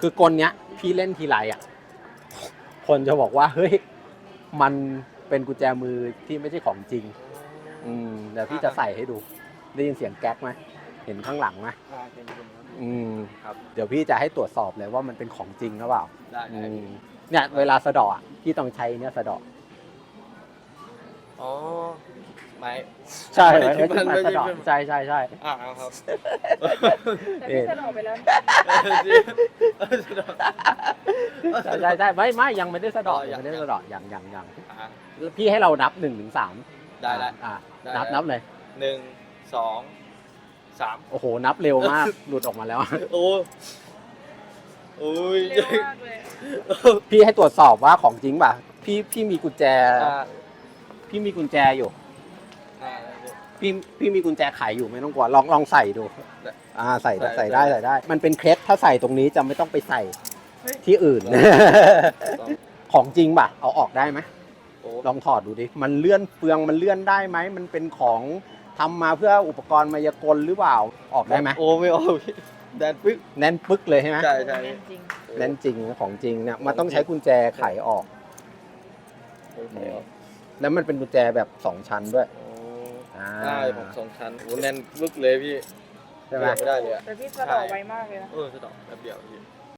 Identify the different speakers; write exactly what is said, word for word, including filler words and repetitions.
Speaker 1: คือกลเนี้ยพี่เล่นทีไรอ่ะคนจะบอกว่าเฮ้ยมันเป็นกุญแจมือที่ไม่ใช่ของจริงอืมเดี๋ยวพี่จะใส่ให้ดูได้ยินเสียงแก๊กไหมเห็นข้างหลังไหมอืมครับเดี๋ยวพี่จะให้ตรวจสอบเลยว่ามันเป็นของจริงหรือเปล่าได้เนี่ยเวลาสะเดาะพี่ต้องใช้เนี่ยสะเดาะ
Speaker 2: อ๋อไม้
Speaker 1: ใช่ไหมที่มันสะเดาะใช่ใช่ใช่
Speaker 2: อ่าครับ
Speaker 3: แต่พี่สะดอกไปแล้ว
Speaker 1: ใช่ใช่ใช่ไม่ไม่ยังไม่ได้สะเดาะยังไม่ได้สะเดาะยังยังยังพี่ให้เรานับหนึ่งถึงสาม
Speaker 2: ได้ได้
Speaker 1: อ่านับนับเลย
Speaker 2: หนึ่งสองสาม
Speaker 1: โอ้โหนับเร็วมากหลุดออกมาแล้ว
Speaker 2: โอ้โอ้ย
Speaker 3: เร็วมากเลย
Speaker 1: พี่ให้ตรวจสอบว่าของจริงป่ะพี่พี่มีกุญแจ
Speaker 2: อ่า
Speaker 1: พี่มีกุญแจอยู่
Speaker 2: อ่า
Speaker 1: พี่พี่มีกุญแจไขอยู่ไม่ต้องกลัวลองลองใส่ดูอ่าใส่ใส่ได้ใส่ได้ มันเป็นเคล็ดถ้าใส่ตรงนี้จะไม่ต้องไปใส่ที่อื่น ของจริงป่ะเอาออกได้ไหม
Speaker 2: โอ้
Speaker 1: ลองถอดดูดิมันเลื่อนเฟืองมันเลื่อนได้ไหมมันเป็นของทำมาเพื่ออุปกรณ์มายากลหรือเปล่าออกได้ไหม
Speaker 2: โอ้ไม่ออกพี่แดนปึ๊ก
Speaker 1: แน่นปึ๊กเลยใช่ไหม
Speaker 2: ใช่ใช่
Speaker 3: เล่นจริง
Speaker 1: แน่นจริงของจริงเนี่ยมันต้องใช้กุญแจไขออก
Speaker 2: โอ้โห
Speaker 1: แล้วมันเป็นกุญแจแบบสองชั้นด้วย
Speaker 2: โอ้
Speaker 1: อ่า
Speaker 2: ได้ผมสองชั้นโอ้แน่นปึ๊กเลยพี่
Speaker 1: ใช่ไหม
Speaker 2: ไม่ได้เลยอะ
Speaker 3: แต่พี่สะดอกไวมากเลยนะ
Speaker 2: เออสะดอกแบบเดียวพี่